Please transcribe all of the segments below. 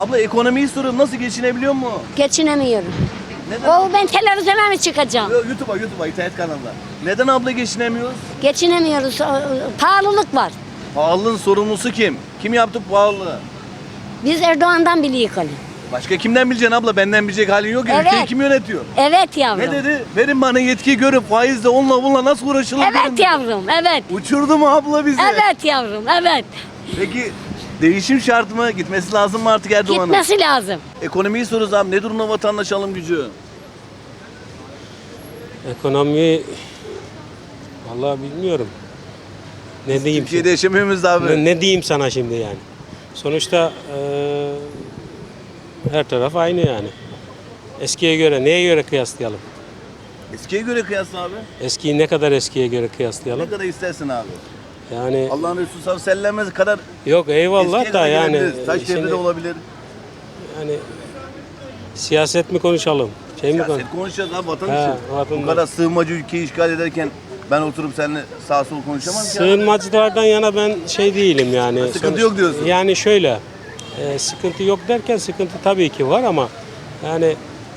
Abla ekonomiyi soruyorum, nasıl geçinebiliyor mu? Geçinemiyorum. Neden? Ben televizyona mı çıkacağım? YouTube'a, internet kanalına. Neden abla geçinemiyoruz? Geçinemiyoruz. Pahalılık var. Pahalılığın sorumlusu kim? Kim yaptı bu pahalılığı? Biz Erdoğan'dan biliyoruz hani. Başka kimden bileceksin abla? Benden bilecek halin yok ya. Evet. Ülkeyi kim yönetiyor? Evet yavrum. Ne dedi? Verin bana yetkiyi, görün faizle onunla bununla nasıl uğraşılır? Evet görün dedi. yavrum, evet. Uçurdu mu abla bizi? Evet yavrum, evet. Peki değişim şart mı? Gitmesi lazım mı artık Erdoğan'ın? Gitmesi lazım. Ekonomiyi soruyoruz abi. Ne durumda vatandaş alım gücü? Ekonomi vallahi bilmiyorum. Ne diyeyim? Türkiye'de yaşamıyor muyuz abi? Ne diyeyim sana şimdi yani? Sonuçta her taraf aynı yani. Eskiye göre neye göre kıyaslayalım? Eskiye göre kıyasla abi. Eskiyi ne kadar eskiye göre kıyaslayalım? Ne kadar istersin abi? Yani Allah'ın Resulü sallallahu aleyhi ve sellem kadar yok eyvallah eskiye da kadar yani gelebiliriz. Taş devri de şimdi, olabilir. yani siyaset mi konuşalım? Şey mi Siyaset konuşalım? konuşacağız abi, vatan He, için. Bu vatandaş. kadar sığınmacı ülkeyi işgal ederken ben oturup seninle sağ sol konuşamam ki. abi. Sığınmacılardan yana ben şey değilim yani. Sıkıntı yok diyorsun. Yani şöyle, sıkıntı yok derken sıkıntı tabii ki var ama yani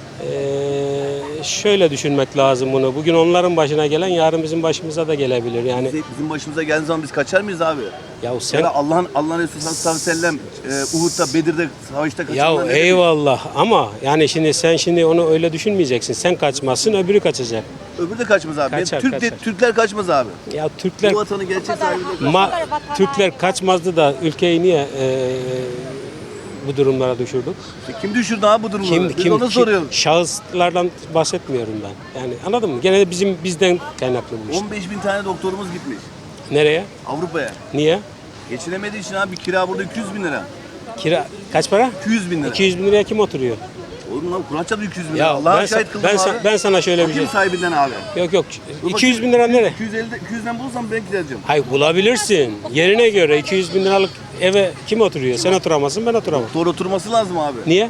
şöyle düşünmek lazım bunu. Bugün onların başına gelen yarın bizim başımıza da gelebilir. Yani Bizim başımıza geldiği zaman biz kaçar mıyız abi? ya Ya sen da Allah'ın Resulü sallallahu aleyhi ve sellem Uhud'da, Bedir'de, savaşta kaçanlar ya ne demek? eyvallah ama yani sen onu öyle düşünmeyeceksin. Sen kaçmazsın, öbürü kaçacak. Öbürü de kaçmaz abi. Kaçar, kaçar. Türkler kaçmaz abi. Ya Türkler Bu vatanı gerçek sahibi. Türkler kaçmazdı da ülkeyi niye bu durumlara düşürdük? Kim düşürdü abi bu durumu? Biz onu soruyoruz. Şahıslardan bahsetmiyorum ben. Yani anladın mı? Gene de bizden kaynaklı bu iş. 15 bin tane doktorumuz gitmiş Nereye? Avrupa'ya. Niye? Geçinemediği için abi kira burada 200 bin lira. Kira kaç para? 200 bin lira. 200 bin liraya kim oturuyor? Oğlum lan Kur'an çarptı 200 bin lira. Ya Allah'a şahit kıldım abi. ben sana şöyle bir şey. Kim sahibinden abi? Yok. 200 bin lira nere? 200'den bulursam ben gideceğim. Hayır bulabilirsin. Yerine göre 200 bin liralık eve kim oturuyor? Sen oturamazsın, ben oturamam. Doktor oturması lazım abi. Niye?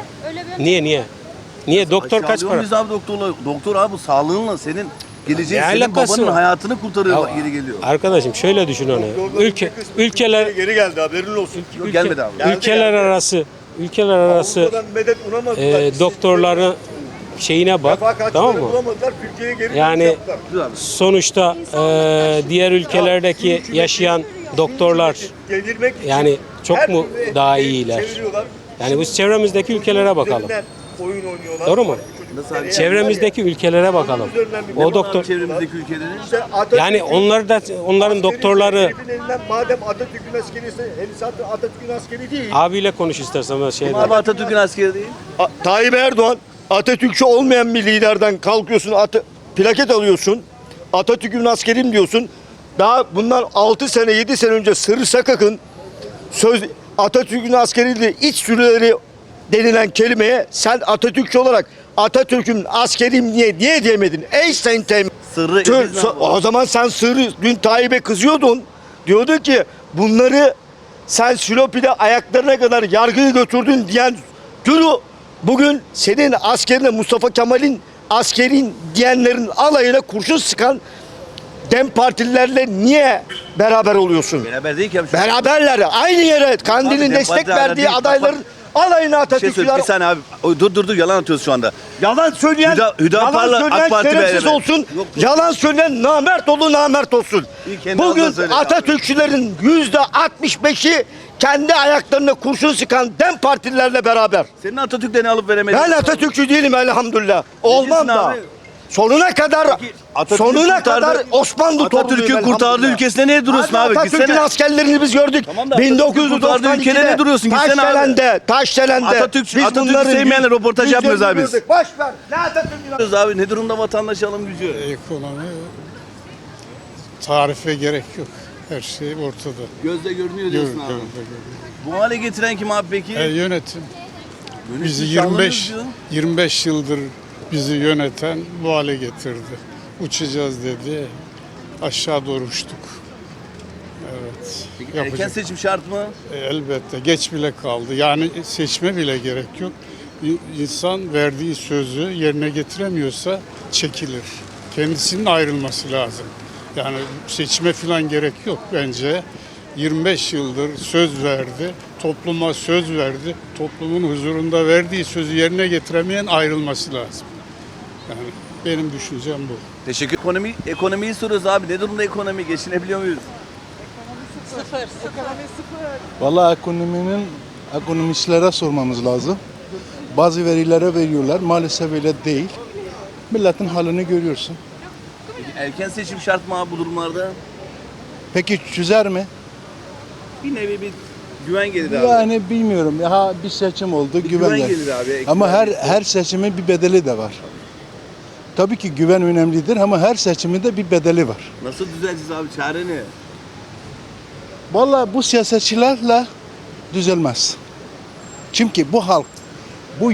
Niye? Doktor kaç Aşağılıyor para? muyuz abi doktorla? Doktor abi bu sağlığınla senin geleceğin, Ne senin alakası babanın var? hayatını kurtarıyor, Ya, geri geliyor. Arkadaşım şöyle düşün onu. Ülkeler geri geldi, haberin olsun. Yok, gelmedi abi. ülkeler arası Avrupa'dan medet umamadılar. doktorların şeyine bak, tamam mı? Bulamadılar, Türkiye'ye geri Yani dönüş yaptılar. Dur abi. sonuçta diğer ülkelerdeki yaşayan doktorlar Gelirmek için yani çok her mu türlü daha şeyi iyiler? çeviriyorlar. Yani biz çevremizdeki ülkelere bakalım. Üzerinden oyun oynuyorlar. Doğru mu? Nasıl abi? Çevremizdeki ülkelere bakalım. O doktor Çevremizdeki ülkelerin. İşte Atatürk'ün- yani onların askeri doktorları herifin elinden, madem Atatürk'ün askeriyse, zaten Atatürk'ün askeri değil. abiyle konuş istersen ben şeyden. Abi Atatürk'ün askeri değil. Tayyip Erdoğan, Atatürkçü olmayan bir liderden kalkıyorsun, plaket alıyorsun, Atatürk'ün askerim diyorsun. Daha bundan 6 sene, 7 sene önce Sırrı Sakak'ın Atatürk'ün askeriyle iç sürüleri denilen kelimeye sen Atatürkçü olarak Atatürk'ün askerim niye diyemedin? Ey sen Sırrı o zaman sen Sırrı dün Tayyip'e kızıyordun. Diyordun ki bunları sen Silopi'de ayaklarına kadar yargıya götürdün diyen Gürü bugün senin askerine Mustafa Kemal'in askerin diyenlerin alayına kurşun sıkan Dem Partililerle niye beraber oluyorsun? Beraber değil ki abi. Beraberler. Aynı yere Kandil'in Dem destek Parti hala verdiği değil. adayların alayına Bir şey söyle, Atatürkçüler. bir saniye abi. Dur yalan atıyoruz şu anda. Yalan söyleyen, Hüdapar'la yalan söyleyen AK Parti şerefsiz beraber. olsun. Yok. Yalan söyleyen namert olsun. İyi, kendi ağzından Bugün söyle Atatürkçülerin %65'i kendi ayaklarına kurşun sıkan Dem Partililerle beraber. Senin Atatürk'ten ne alıp veremedin? Ben Atatürkçü değilim elhamdülillah. Olmam diyorsun da. abi? Sonuna kadar Osmanlı Atatürk'ün kurtardığı ülkesinde niye duruyorsun abi? Atatürk'ün Gitsene. askerlerini biz gördük. Tamam da Atatürk'ün kurtardığı ülkede 1992'de ne duruyorsun? Gitsene abi. Taşdelen'de. Atatürk'ü sevmeyenle röportaj yapmıyoruz abi biz. Boş ver. Ne Atatürk'ün Abi ne durumda vatandaş alım gücü? Ekonomi tarife gerek yok. Her şey ortada. Gözle görünüyor diyorsun abi. Bu hale getiren kim abi peki? Yönetim. Bizi Yönetim sağlanıyoruz 25 diyor. 25 yıldır bizi yöneten bu hale getirdi. Uçacağız dedi. Aşağı doğru uçtuk. Evet. Erken Yapacak. seçim şart mı? Elbette geç bile kaldı. Yani seçme bile gerek yok. İnsan verdiği sözü yerine getiremiyorsa çekilir. Kendisinin ayrılması lazım. Yani seçime falan gerek yok bence. 25 yıldır söz verdi. topluma söz verdi. Toplumun huzurunda verdiği sözü yerine getiremeyen ayrılması lazım. Yani benim düşüncem bu. Teşekkür. Ekonomiyi soruyoruz abi. Ne durumda ekonomi? Geçinebiliyor muyuz? Vallahi ekonomistlere sormamız lazım. Bazı verilere veriyorlar. Maalesef öyle değil. Milletin halini görüyorsun. Peki erken seçim şart mı abi bu durumlarda? Peki çözer mi? Bir nevi bir güven gelir abi. Yani bilmiyorum. Ha bir seçim oldu, güven güven geldi. gelir abi. Ama Güven her seçimin bir bedeli de var. Tabii ki güven önemlidir ama her seçimin de bir bedeli var. Nasıl düzeleceğiz abi? Çare ne? Vallahi bu siyasetçilerle düzelmez. Çünkü bu halk bu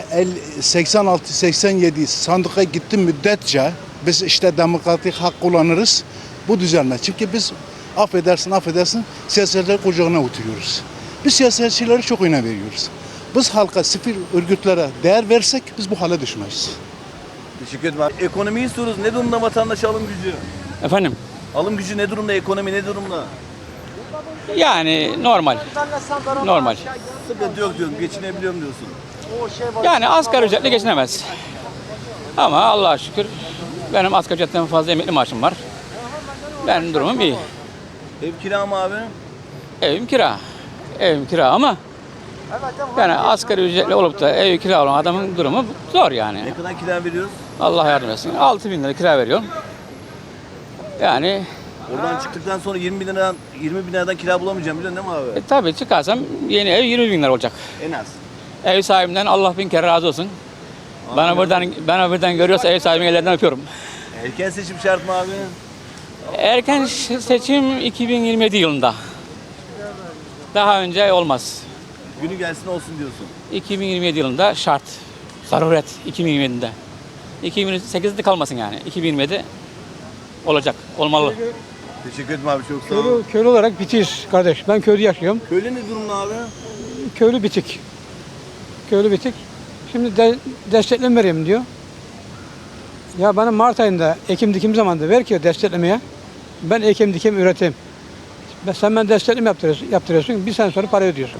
%86-87 sandıka gitti müddetçe biz işte demokratik hak kullanırız. Bu düzelmez. Çünkü biz affedersin siyasetçiler kucağına oturuyoruz. Biz siyasetçilere çok önem veriyoruz. Biz halka sivil örgütlere değer versek biz bu hale düşmeyiz. Teşekkür ederim abi. Ekonomiyi soruyoruz. Ne durumda vatandaş alım gücü? Efendim? Alım gücü ne durumda? Ekonomi ne durumda? Yani normal. Normal. Sıkıntı yok diyorsun. Geçinebiliyorum diyorsun. Yani asgari ücretle geçinemez. Ama Allah'a şükür benim asgari ücretten fazla emekli maaşım var. Benim durumum iyi. Ev kira mı abi? Evim kira. Evim kira ama yani asgari ücretli olup da ev kira olan adamın durumu zor yani. Ne kadar kira veriyoruz? Allah yardım etsin. 6.000 lira kira veriyorum. Yani Oradan çıktıktan sonra 20 bin liradan kira bulamayacağım biliyorsun değil mi abi? tabii çıkarsam yeni ev 20.000 lira olacak. En az. Ev sahibinden Allah bin kere razı olsun. Bana buradan görüyorsa ev sahibinin ellerinden öpüyorum. Erken seçim şart mı abi? Erken seçim 2027 yılında. Daha önce olmaz. Günü gelsin olsun diyorsun. 2027 yılında şart. Zaruret 2027'de. 2028'de kalmasın yani. 2027 olacak, olmalı. Teşekkür ederim abi çok sağ ol. Köylü olarak bitiş kardeş. Ben köyde yaşıyorum. Köylü ne durumda abi? Köylü bitik. Köylü bitik. Şimdi destekleme vereyim diyor. Ya bana Mart ayında ekim dikim zamanında ver ki desteklemeye. Ben ekim dikim üreteyim. Sen ben destekleme yaptırıyorsun. Bir sene sonra para ödüyorsun.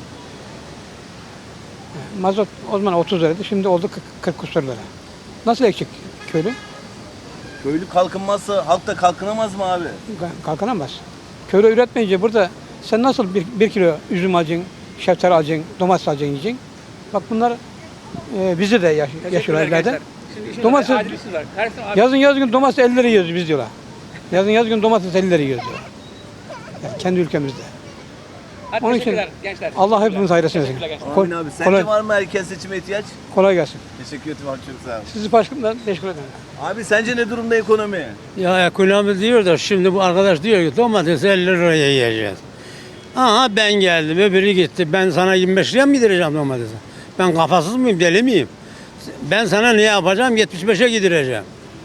Mazot o zaman 30 liraydı. Şimdi oldu 40 küsur lira. Nasıl ekecek köylü? Köylü kalkınmazsa halk da kalkınamaz mı abi? Kalkınamaz. Köylü üretmeyince burada sen nasıl bir kilo üzüm alacaksın, şeftali alacaksın, domates alacaksın yiyeceksin. Bak bunlar bizi de yaşıyorlar ileride. Domates, yazın domates 50 lira yiyoruz biz diyorlar. Yazın domates 50 lira yiyoruz diyorlar. Yani kendi ülkemizde. Onun için Allah hepimiz hayırlısı versin. Amin abi. Sence var mı erken seçime ihtiyaç? Kolay gelsin. Teşekkür ederim abi çok sağ ol. Sizi başkanımdan teşekkür ederim. Abi sence ne durumda ekonomi? Ya ekonomi diyor da şimdi bu arkadaş diyor ki domates 50 liraya yiyeceğiz. Aha ben geldim öbürü gitti. Ben sana 25 liraya mı gidireceğim domatesi? Ben kafasız mıyım deli miyim? Ben sana ne yapacağım 75'e gidireceğim.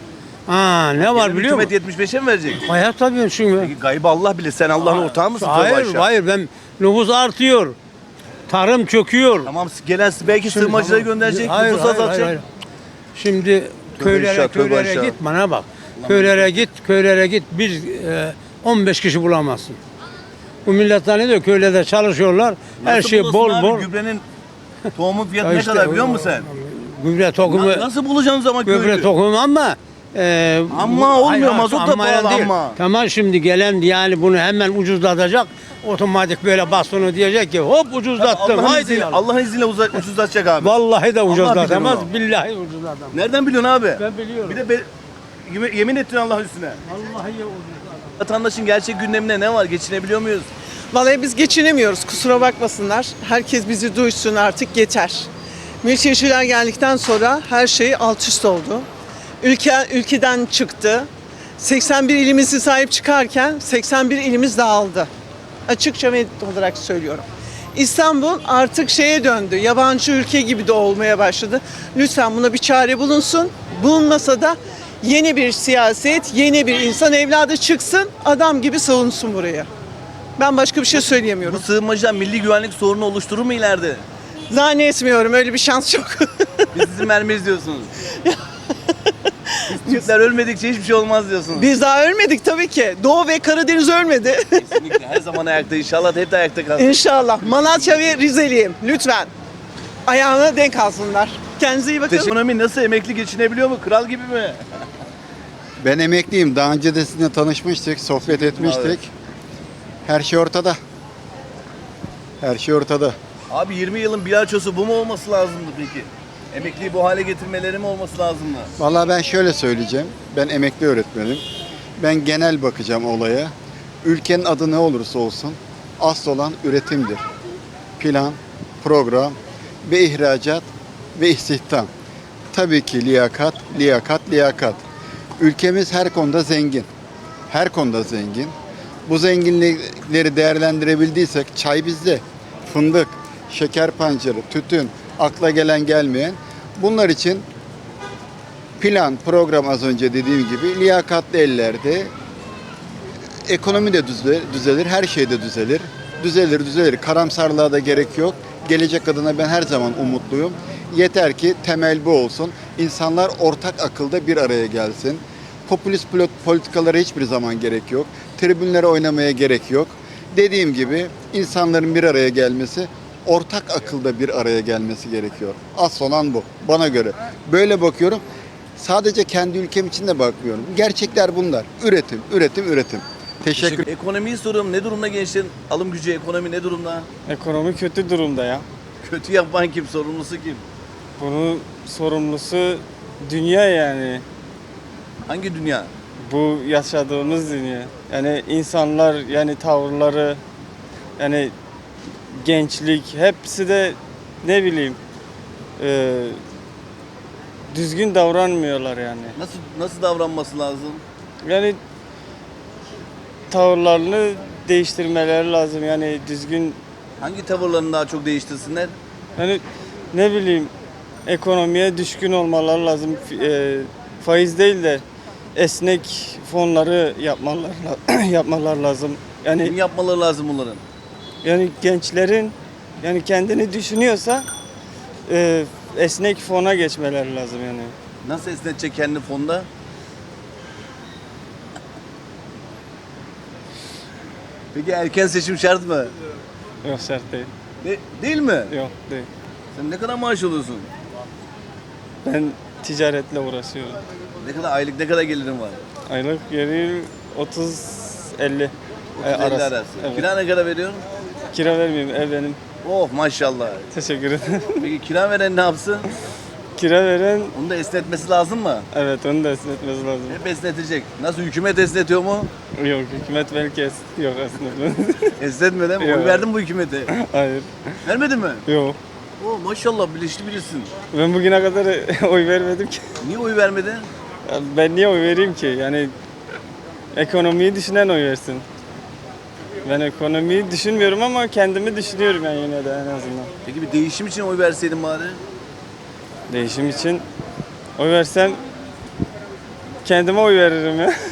Ne var biliyor musun? Hükümet 75'e mi verecek? Hayat tabii çünkü. Peki gaybı Allah bilir. Sen Allah'ın ortağı mısın? Tövbe Hayır aşağı. hayır ben nüfus artıyor. Tarım çöküyor. Tamam gelen belki sığınmacıları gönderecek, Hayır, nüfus hayır, azaltacak. hayır. Şimdi aşağı, tövbe köylere aşağı. git bana bak. Köylere git bir 15 kişi bulamazsın. Bu millet zannediyor köylerde çalışıyorlar. Her Nasıl şey bulursun bol abi? bol. Gübrenin tohumun fiyatı Ya ne işte kadar biliyor musun sen? Gübre tohumu, Nasıl bulacaksın zaman köylü? gübre tohumu ama Ama olmuyor, mazot da ammayan pahalı değil. ama. Tamam şimdi gelen yani bunu hemen ucuzlatacak. Otomatik böyle bastonu diyecek ki hop ucuzlattım. Allah'ın Haydi izniyle, ya. Allah'ın izniyle ucuzlatacak abi. Vallahi de Allah ucuzlatamaz. bilir onu. Billahi ucuzlatamaz. Nereden biliyorsun abi? Ben biliyorum. Bir de yemin ettin Allah üstüne. Vallahi ucuzlatamaz. Vatandaşın gerçek gündeminde ne var? Geçinebiliyor muyuz? Vallahi biz geçinemiyoruz. Kusura bakmasınlar. Herkes bizi duysun artık yeter. Mülteciler geldikten sonra her şey alt üst oldu. Ülkeden çıktı. 81 ilimizi sahip çıkarken 81 ilimiz dağıldı. Açıkça ve net olarak söylüyorum. İstanbul artık şeye döndü. Yabancı ülke gibi de olmaya başladı. Lütfen buna bir çare bulunsun. Bulunmasa da yeni bir siyaset, yeni bir insan evladı çıksın, adam gibi savunsun buraya. Ben başka bir şey Bu söyleyemiyorum. sığınmacılar milli güvenlik sorunu oluşturur mu ileride? Zannetmiyorum, öyle bir şans yok. Biz sizin mermiyiz diyorsunuz. Türkler ölmedikçe hiçbir şey olmaz diyorsunuz. Biz daha ölmedik tabii ki. Doğu ve Karadeniz ölmedi. Kesinlikle her zaman ayakta, inşallah hep de ayakta kalsın. İnşallah. Malatya ve Rizeliyim. Lütfen. Ayağına denk alsınlar. Kendinize iyi bakın. Ekonomi nasıl, emekli geçinebiliyor mu? Kral gibi mi? Ben emekliyim. Daha önce de sizinle tanışmıştık, sohbet etmiştik. Evet. Her şey ortada. Her şey ortada. Abi 20 yılın bilançosu bu mu olması lazımdı peki? Emekliyi bu hale getirmeleri mi olması lazımdı? Vallahi ben şöyle söyleyeceğim. Ben emekli öğretmenim. Ben genel bakacağım olaya. Ülkenin adı ne olursa olsun asıl olan üretimdir. Plan, program ve ihracat ve istihdam. Tabii ki liyakat, liyakat, liyakat. Ülkemiz her konuda zengin. Her konuda zengin. Bu zenginlikleri değerlendirebildiysek çay bizde, fındık, şeker pancarı, tütün, akla gelen gelmeyen. Bunlar için plan, program az önce dediğim gibi liyakatli ellerde ekonomi de düzelir, her şey de düzelir. Düzelir. Karamsarlığa da gerek yok. Gelecek adına ben her zaman umutluyum. Yeter ki temel bu olsun. İnsanlar ortak akılda bir araya gelsin. Popülist politikalara hiçbir zaman gerek yok. Tribünlere oynamaya gerek yok. Dediğim gibi insanların bir araya gelmesi, ortak akılda bir araya gelmesi gerekiyor. Asıl olan bu bana göre. Böyle bakıyorum. Sadece kendi ülkem için de bakmıyorum. Gerçekler bunlar. Üretim. Teşekkür. Ekonomiyi soruyorum. Ne durumda gençlerin alım gücü, ekonomi ne durumda? Ekonomi kötü durumda ya. Kötü yapan kim? Sorumlusu kim? Bunun sorumlusu dünya yani. Hangi dünya? Bu yaşadığımız dünya. Yani insanlar, yani tavırları, yani gençlik hepsi de ne bileyim düzgün davranmıyorlar yani. Nasıl davranması lazım? Yani tavırlarını değiştirmeleri lazım yani düzgün. Hangi tavırlarını daha çok değiştirsinler? Yani ne bileyim ekonomiye düşkün olmaları lazım. Faiz değil de esnek fonları yapmalar lazım. Kim Yani yapmaları lazım bunların? yani gençlerin yani kendini düşünüyorsa esnek fona geçmeleri lazım yani. Nasıl esnetecek kendi fonda? Peki erken seçim şart mı? Yok şart değil. Değil mi? Yok değil. Sen ne kadar maaş alıyorsun? Ben ticaretle uğraşıyorum. Ne kadar aylık, ne kadar gelirin var? Aylık geri 30-50 30-50 arası. Evet. Kira ne kadar veriyorsun? Kira vermiyorum, ev benim. Oh maşallah. Teşekkür ederim. Peki kira veren ne yapsın? Kira veren, Onu da esnetmesi lazım mı? evet onu da esnetmesi lazım. Hep esnetecek. Nasıl, hükümet esnetiyor mu? Yok, hükümet belki yok aslında. Esnetmiyor değil mi? Yok. Oy verdin mi bu hükümete? Hayır, Vermedin mi? yok. Oh maşallah, bilinçli birisin. Ben bugüne kadar oy vermedim ki. Niye oy vermedin? Ya ben niye oy vereyim ki? Yani ekonomiyi düşünen oy versin. Ben ekonomiyi düşünmüyorum ama kendimi düşünüyorum yani yine de en azından. Peki bir değişim için oy verseydin bari? Değişim için oy versem kendime oy veririm ya.